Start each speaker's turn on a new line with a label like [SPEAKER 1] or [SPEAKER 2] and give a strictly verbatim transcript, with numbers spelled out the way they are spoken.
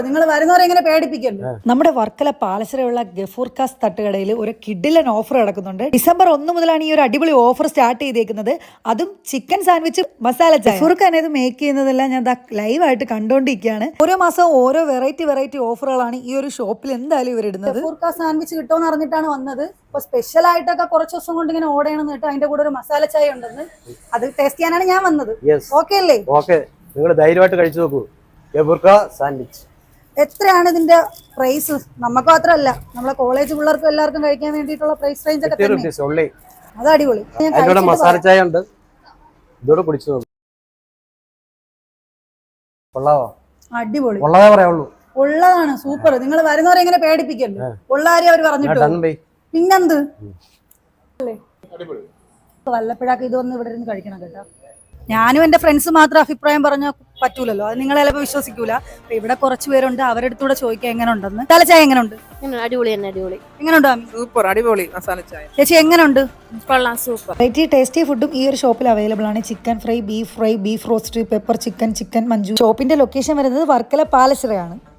[SPEAKER 1] നിങ്ങൾ വരുന്നവരെ എങ്ങനെ പേടിപ്പിക്കല്ലോ. നമ്മുടെ വർക്കല പാലശ്ശേരിയുള്ള ഗഫൂർക്കാസ് തട്ടുകടയിൽ ഒരു കിഡിലൻ ഓഫർ നടക്കുന്നുണ്ട്. ഡിസംബർ ഒന്ന് മുതലാണ് ഈ ഒരു അടിപൊളി ഓഫർ സ്റ്റാർട്ട് ചെയ്തേക്കുന്നത്. അതും ചിക്കൻ സാൻഡ്വിച്ച് മസാല ചായ. ഗഫൂർഖാൻ ഇത് മേക്ക് ചെയ്യുന്നതെല്ലാം ഞാൻ ലൈവ് ആയിട്ട് കണ്ടുകൊണ്ടിരിക്കുകയാണ്. ഓരോ മാസവും ഓരോ വെറൈറ്റി വെറൈറ്റി ഓഫറുകളാണ് ഈ ഒരു ഷോപ്പിൽ എന്തായാലും ഇവർ ഇടുന്നത്. ഗഫൂർക്കാസ് സാൻഡ്വിച്ച് കിട്ടുമെന്ന് അറിഞ്ഞിട്ടാണ് വന്നത്. അപ്പൊ സ്പെഷ്യൽ ആയിട്ടൊക്കെ കുറച്ച് ദിവസം കൊണ്ട് ഇങ്ങനെ ഓർഡർ ചെയ്യണമെന്ന് കേട്ടോ. അതിന്റെ കൂടെ ഒരു മസാല ചായ ഉണ്ടെന്ന്, അത് ടേസ്റ്റ് ചെയ്യാനാണ് ഞാൻ വന്നത്. ഓക്കെ അല്ലേ?
[SPEAKER 2] ഓക്കെ, നിങ്ങൾ ധൈര്യമായിട്ട് കഴിച്ചു നോക്കൂ. ഗഫൂർക്കാസ് സാൻഡ്വിച്ച്
[SPEAKER 1] എത്രയാണ് ഇതിന്റെ പ്രൈസ്? നമുക്ക് മാത്രമല്ല, നമ്മളെ കോളേജ് പിള്ളേർക്കും എല്ലാവർക്കും കഴിക്കാൻ വേണ്ടിയിട്ടുള്ള പ്രൈസ് റേഞ്ച് ഒക്കെ തന്നെ. അത് അടിപൊളി.
[SPEAKER 2] മസാല ചായ ഉണ്ട്, ഇതോടെ കുടിച്ചു നോക്കും. കൊള്ളാവോ?
[SPEAKER 1] അടിപൊളി.
[SPEAKER 2] ഉള്ളതേ പറയുള്ളൂ.
[SPEAKER 1] ഉള്ളതാണ്, സൂപ്പർ. നിങ്ങൾ വരുന്നവരെ എങ്ങനെ പേടിപ്പിക്കല്ലോ. ഉള്ള കാര്യം അവർ പറഞ്ഞിട്ട് പിന്നെന്ത്. വല്ലപ്പോഴൊക്കെ ഇതൊന്നും ഇവിടെ ഇരുന്ന് കഴിക്കണം കേട്ടോ. ഞാനും എന്റെ ഫ്രണ്ട്സ് മാത്രം അഭിപ്രായം പറഞ്ഞാൽ പറ്റൂലല്ലോ, അത് നിങ്ങൾ ചിലപ്പോൾ വിശ്വസിക്കൂല. അപ്പൊ ഇവിടെ കുറച്ച് പേരുണ്ട്, അവരുടെ അടുത്തൂടെ ചോദിക്കാൻ എങ്ങനെ ഉണ്ടെന്ന്. മസാല ചായ എങ്ങനെയുണ്ട്?
[SPEAKER 3] അടിപൊളി തന്നെ, അടിപൊളി.
[SPEAKER 1] എങ്ങനെയുണ്ട്?
[SPEAKER 4] സൂപ്പർ, അടിപൊളി മസാല ചായ.
[SPEAKER 1] ചേച്ചി എങ്ങനെയുണ്ട്?
[SPEAKER 3] കൊള്ളാം, സൂപ്പർ.
[SPEAKER 1] വെറൈറ്റി ടേസ്റ്റി ഫുഡും ഈ ഒരു ഷോപ്പിൽ അവൈലബിൾ ആണ്. Chicken fry, beef fry, beef roast, pepper chicken, chicken manchu. ഷോപ്പിന്റെ ലൊക്കേഷൻ വരുന്നത് വർക്കല പാലശ്ശേരിയാണ്.